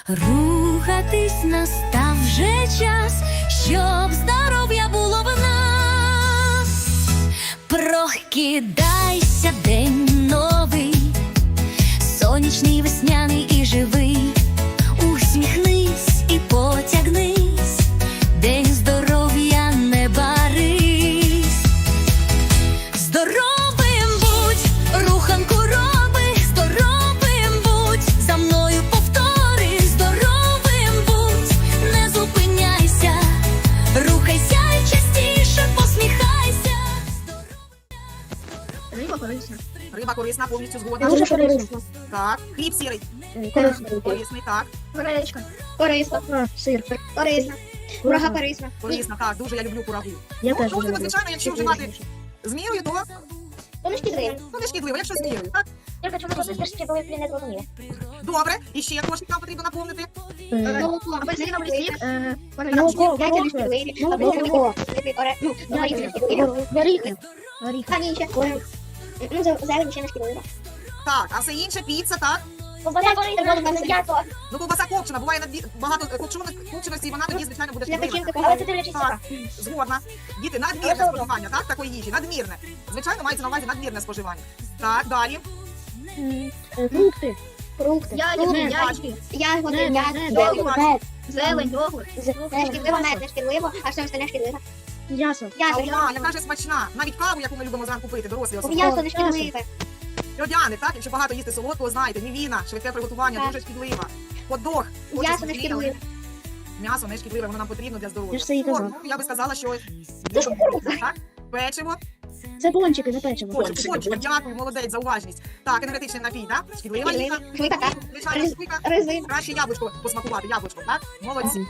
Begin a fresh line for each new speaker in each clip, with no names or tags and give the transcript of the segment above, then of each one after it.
Рухатись настав вже час, щоб здоров'я було в нас. Прокидайся, день новий, сонячний, весняний і живий. Усміхнись і потягнись, день здоров'я не барись. Здоровим будь, руханку роби, здоровим будь, за мною повтори. Здоровим будь, не зупиняйся, рухайся і частіше посміхайся.
Риба корисна.
Риба корисна, повністю згодна.
Дуже корисна.
Так. Хліб сірий. Корисний, так.
Гречка. Корисна. Сир. Корисна. Курага корисна.
Корисна, так. Дуже я люблю курагу.
Я теж
Ну,
люблю.
звичайно, якщо вживати з мірою, то
Вони шкідливі.
не шкідливо. Якщо з мірою, так?
Тільки чому просто шкідливі не зрозуміли.
Добре. І ще кошик нам потрібно наповнити.
Молоко, апельсиновий сік,
Молоко,
яйця не шкідливі, або горіхи. Камінче. Ну, зелень ще не шкідлива.
Так, а все інше, піца, так?
Ковбаса корисна, м'ясо.
Ну, ковбаса копчена, буває багато копченості, і вона тоді, звичайно, буде
Для
шкідлива.
печінки, але це дивлячись
Так,
яка.
згодна. Діти, надмірне споживання, так, такої їжі, надмірне. Звичайно, мається на увазі надмірне споживання. Так,
Фрукти. Ягоди, зелень, йогурт. Не шкідливо, мед не шкідливо, а все остальне шкідливо. М'ясо.
Алма, яка ж смачна. Навіть каву, яку ми любимо зранку пити, дорослі особливо.
М'ясо не шкідливе.
Льодяник, так? Якщо багато їсти солодкого, знаєте, мівіна, швидке приготування,
Так.
дуже шкідлива. Хот-дог.
М'ясо не шкідливе.
М'ясо не шкідливе, воно нам потрібно для здоров'я.
Я ж це і казала.
Торт, ну, я би сказала, що
Це ж кукурудза.
так? Печиво.
Це пончики, не печиво.
Пончик, дякую, молодець за уважність. Так, енергетичний напій, так? Шкідлива їжа.
Швидка, так.
Звичайно, швидка.
Резин.
Краще яблучко посмакувати, яблучко, так? Молодці.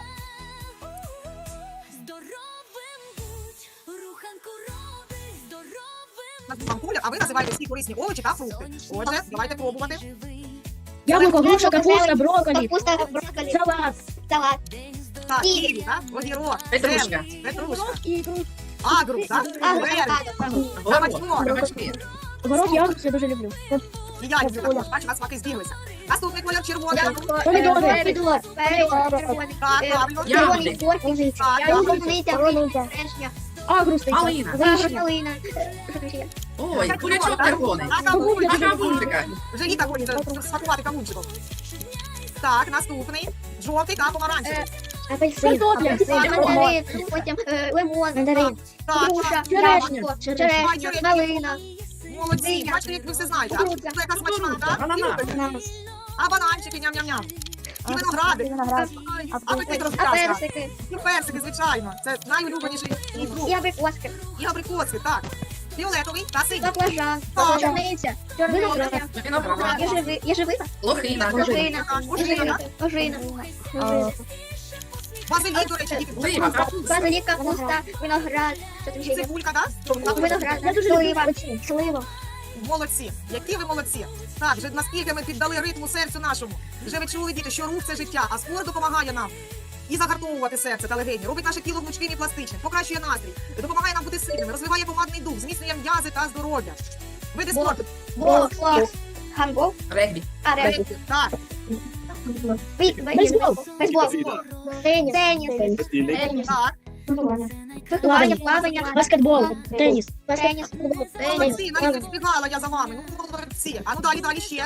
Здоровим будь, руханку роби, здоровим
Вам Коля, а ви називаєте всі корисні овочі та фрукти. Отже, давайте пробувати.
живий.
Яблуко, груша, капуста, брокколі.
Капуста, брокколі,
Салат.
салат,
Так,
Ківі.
ківі, так? Огірок,
Петрушка.
земля, петрушка,
І
агру, так?
авокадо,
Кабачок,
горох, я це дуже люблю.
і я люблю також, бачу, у нас смаки збіглися. Наступний колір червоний.
Помідори.
помідор, перець, червоний,
Так, правильно.
червоний морква,
Так,
полуниця, вишня,
Агрус.
Малина.
калина, що там ще є?
Ой, кулячок червоний.
А кавун,
А кавунчика.
вже літа хочеться смакувати кавунчиком. Так, наступний. Жовтий та помаранчевий.
Апельсин,
Картопля.
мандарин, потім лимон,
Мандарин.
Так,
груша,
Черешня.
яблуко,
Черешня.
черешня, малина,
молодці. Бачите, як ви все знаєте. А це яка смачна, так?
Ананас.
А бананчики, ням-ням-ням. І виногради. Апетит
а
розкраска.
персики,
І персики, звичайно. Це найулюбленіший фрукт.
і абрикоски,
І абрикоски, так. Фіолетовий та синій.
баклажан,
Так.
чорниця, чорниця,
Виноград.
єжевика,
Лохина.
ожина,
Ожина.
ожина,
Базилік, до речі, діти.
Слива, капуста.
базилік, капуста, виноград, що там ще є?
Цибулька, так?
Виноград,
Я дуже
слива,
люблю слива.
Молодці. Які ви молодці. Так, вже наскільки ми піддали ритму серцю нашому. Вже ви чули, діти, що рух – це життя, а спорт допомагає нам і загартовувати серце та легені, робить наше тіло гнучким і пластичним, покращує настрій, допомагає нам бути сильними, розвиває помадний дух, зміцнює м'язи та здоров'я. Види спорту.
бокс, гандбол,
Регбі.
арена,
Так,
бейсбол, теніс,
так.
фехтування, плавання,
Баскетбол. Теніс.
теніс,
Молодці, навіть не встигала я за вами. Ну, молодці. А ну далі ще.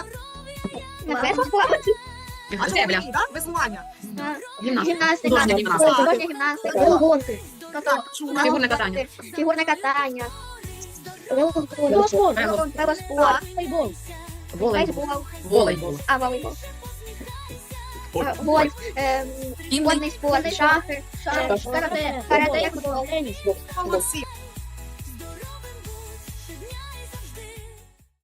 А чому
Земля.
ні, так? Веслування.
гімнастика,
Художня гімнастика.
художня гімнастика,
Гонки.
Так, чула.
Фігурне катання.
фігурне катання,
Велоспорт.
велоспорт,
Футбол.
Волейбол.
бейсбол,
Волейбол.
волейбол, гольф,
Кінний.
водний спорт, шахи, карате, як футбол,
Теніс.
Молодці.